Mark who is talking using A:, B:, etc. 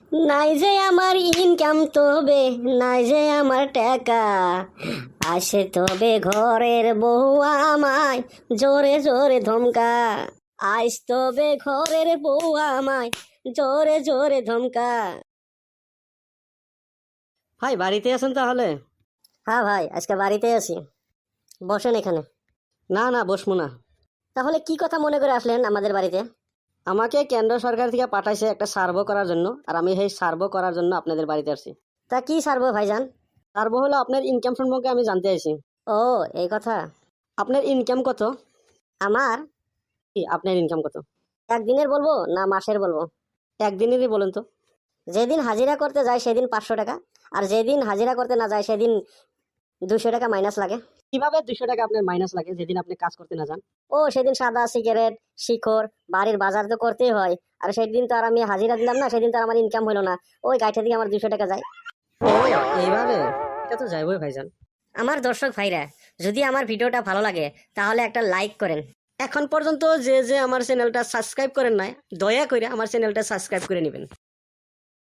A: নাই যে আমার ইনকাম তবে নাই যে আমার টাকা, আসে তবে ঘরের বউ আমায় জোরে জোরে ধমকা, আইস তবে ঘরের বউ আমায় জোরে জোরে ধমকা।
B: ভাই বাড়িতে আছেন তাহলে?
A: হ্যাঁ ভাই, আজকে বাড়িতে আছি। বসেন এখানে।
B: না না, বসবো না।
A: তাহলে কি কথা মনে করে আসলেন আমাদের বাড়িতে?
B: আমাকে কেন্দ্র সরকার থেকে পাঠাইছে একটা সার্ভে করার জন্য, আর আমি সেই সার্ভে করার জন্য আপনাদের বাড়িতে আসছি।
A: তা কি সারবো ভাইজান?
B: সার্ভে হলো আপনার ইনকাম সম্পর্কে আমি জানতে চাইছি।
A: ও, এই কথা।
B: আপনার ইনকাম কত?
A: আমার
B: কি আপনার ইনকাম কত?
A: একদিনের বলবো না মাসের বলবো?
B: একদিনেরই বলেন তো।
A: যেদিন হাজিরা করতে যায় সেদিন 500 টাকা, আর যেদিন হাজিরা করতে না যায় সেদিন 200 টাকা মাইনাস লাগে।
B: কিভাবে 200 টাকা আপনার মাইনাস লাগে যেদিন আপনি কাজ করতে না যান?
A: ও সেদিন সাদা সিগারেট, শিখর, বাড়ির বাজার তো করতেই হয়। আর সেদিন তো আর আমি হাজিরা দিলাম না, সেদিন তো আর আমার ইনকাম হলো না। ওই গাইঠা থেকে আমার 200 টাকা যায়।
B: ও, এইভাবে? এটা তো যাইবই ভাইজান।
A: আমার দর্শক ভাইরা, যদি আমার ভিডিওটা ভালো লাগে তাহলে একটা লাইক করেন।
B: এখন পর্যন্ত যে যে আমার চ্যানেলটা সাবস্ক্রাইব করেন নাই, দয়া করে আমার চ্যানেলটা সাবস্ক্রাইব করে নেবেন।